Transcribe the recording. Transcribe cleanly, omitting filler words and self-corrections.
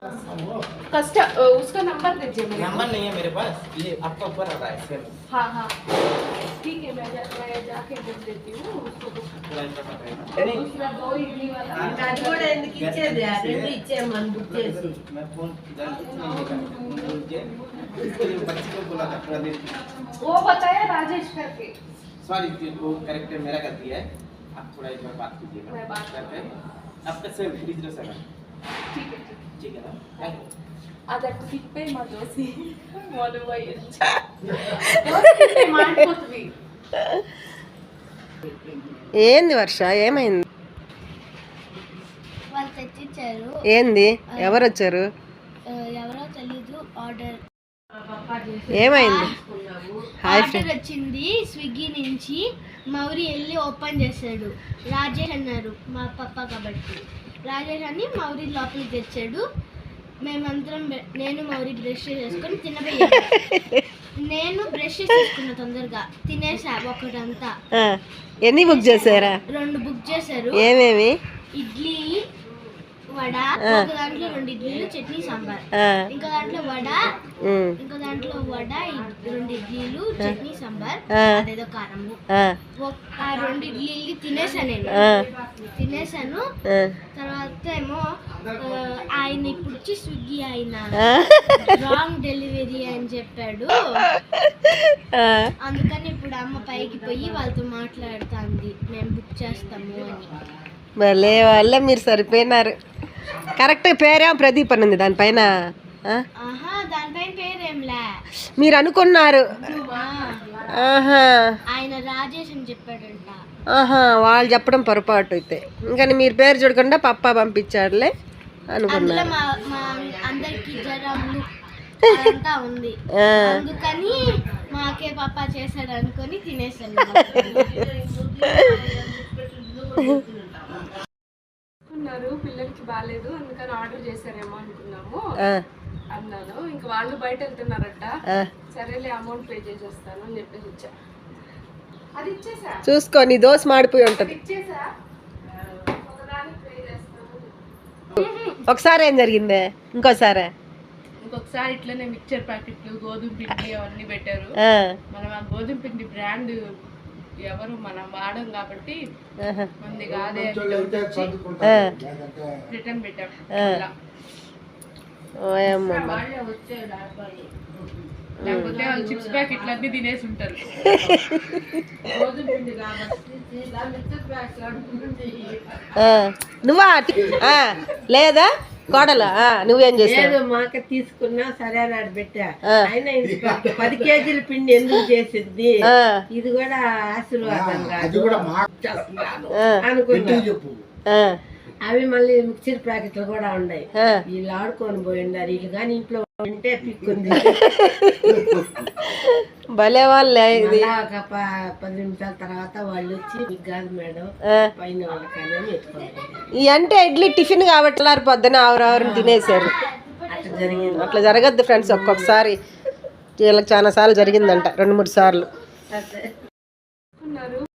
उसका नंबर दीजिए मेरे। नंबर नहीं है मेरे पास, ये आपका ऊपर आ रहा है सर। हाँ हाँ ठीक है, मैं जाके बोल देती हूँ उसको। दूसरा 2 इडली वाला అది కూడా ఎందుకు ఇచ్చేది ఆ రెండు ఇచ్చేయమని బుక్ చేసి मैं फोन इसको बच्चे को बोला था प्रदीप, वो बताया राजेश करके। सॉरी वो करेक्टर मेरा कर दिया है, आप थोड़ा एक बार बात कीजिएगा। मैं बात करते हैं आपका सर 307। ठीक है ठीक है ना, थैंक यू। ಅದಕ್ಕೆ ಸಿಪ್ಪೆ ಮಾಡೋಸಿ ಮೊಲವೈ ಮಾಡ್ಕೊತ್ವಿ. ఏంది వర్ష ఏమైంది? వాళ్ళు తెచ్చిచ్చారు. ఏంది ఎవరు వచ్చారు? ఎవరో తెలీదు. ఆర్డర్ ఏమైంది? ఆర్డర్ వచ్చింది స్విగ్గీ నుంచి. మౌరి వెళ్ళి ఓపెన్ చేశాడు. రాజేష్ అన్నారు మా పప్ప కాబట్టి. రాజేష్ అని మౌరి లోపలికి తెచ్చాడు. మేమందరం నేను మౌరి బ్రష్ చేసుకొని తినబోయాను. నేను బ్రష్ చేసుకున్నా తొందరగా తినేసా ఒకటంతా. ఎన్ని బుక్ చేశారా? 2 బుక్ చేశారు. ఏమేమి? ఇడ్లీ వడ, ఒక దాంట్లో 2 ఇడ్లీలు చట్నీ సాంబార్, ఇంకో దాంట్లో వడ, ఇంకో దాంట్లో వడ 2 ఇడ్లీలు చట్నీ సాంబార్, అదేదో కారము. ఆ 2 ఇడ్లీలు తినేసాను. తర్వాత ఏమో ఆయన ఇప్పుడు వచ్చి స్విగ్గీ ఆయన రాంగ్ డెలివరీ అని చెప్పాడు. అందుకని ఇప్పుడు అమ్మ పైకి పోయి వాళ్ళతో మాట్లాడుతుంది మేము బుక్ చేస్తాము అని. భలే వాళ్ళ మీరు సరిపోయినారు. కరెక్ట్ పేరేమో ప్రదీప్ అని ఉంది దానిపైన. దానిపైన పేరేంలే మీరు అనుకున్నారు. ఆయన రాజేష్ అని చెప్పాడంట. వాళ్ళు చెప్పడం పొరపాటు అయితే. ఇంకా మీరు పేరు చూడకుండా పప్పా పంపించాడులే అనుకున్నారు. మా అందరికి జ్వరము అంతా ఉంది, అందుకని మాకే పప్పా చేశాడు అనుకొని తినేసాను. పిల్లలకి బాగాలేదు అందుకని ఆర్డర్ చేశారేమో అనుకున్నాము అన్నాను. ఇంకా వాళ్ళు బయట వెళ్తున్నారట. సరేలే అమౌంట్ పే చేసేస్తాను అని చెప్పేసి ఇచ్చా. అది ఇచ్చేసా. చూసుకో నీ దోశ మాడిపోయి ఉంటుంది. ఇచ్చేసా. ఒకసారి ఏం జరిగిందే? ఇంకోసారి ఇట్లనే మిక్చర్ ప్యాకెట్లు గోధుమ పిండి అవన్నీ పెట్టారు. మనం ఆ గోధుమ పిండి బ్రాండ్ ఎవరు మనం వాడం కాబట్టి మంది కాదే రిటర్న్ పెట్టాం. లేకపోతే వాళ్ళు చిప్స్ ప్యాకెట్లు అన్ని తినేసి ఉంటారు. గోధుమ పిండి కాబట్టి నువ్వా లేదా కోడలా? నువ్వేం చేసావు? మాక తీసుకున్నా సరే అని పెట్టా. అయినా 10 కేజీల పిండి ఎందుకు చేసింది? ఇది కూడా ఆశీర్వాదం అనుకున్నా. అవి మళ్ళీ మిక్చర్ ప్యాకెట్లు కూడా ఉన్నాయి. వీళ్ళు ఆడుకొని పోయిండారు. వీళ్ళు కానీ ఇంట్లో ఉంటే పిక్కుంది. భలే వాళ్ళే. ఒక 10 నిమిషాల తర్వాత వాళ్ళు వచ్చి మీకు కాదు మేడం పైన వాళ్ళకైనా ఎత్తుకోవాలి. ఈ అంటే ఇడ్లీ టిఫిన్ కాబట్టి పొద్దున ఆవరావరం తినేసారు. అట్లా జరిగింది. అట్లా జరగద్దు ఫ్రెండ్స్. ఒక్కొక్కసారి వీళ్ళకి చాలా సార్లు జరిగిందంట, 2-3 సార్లు.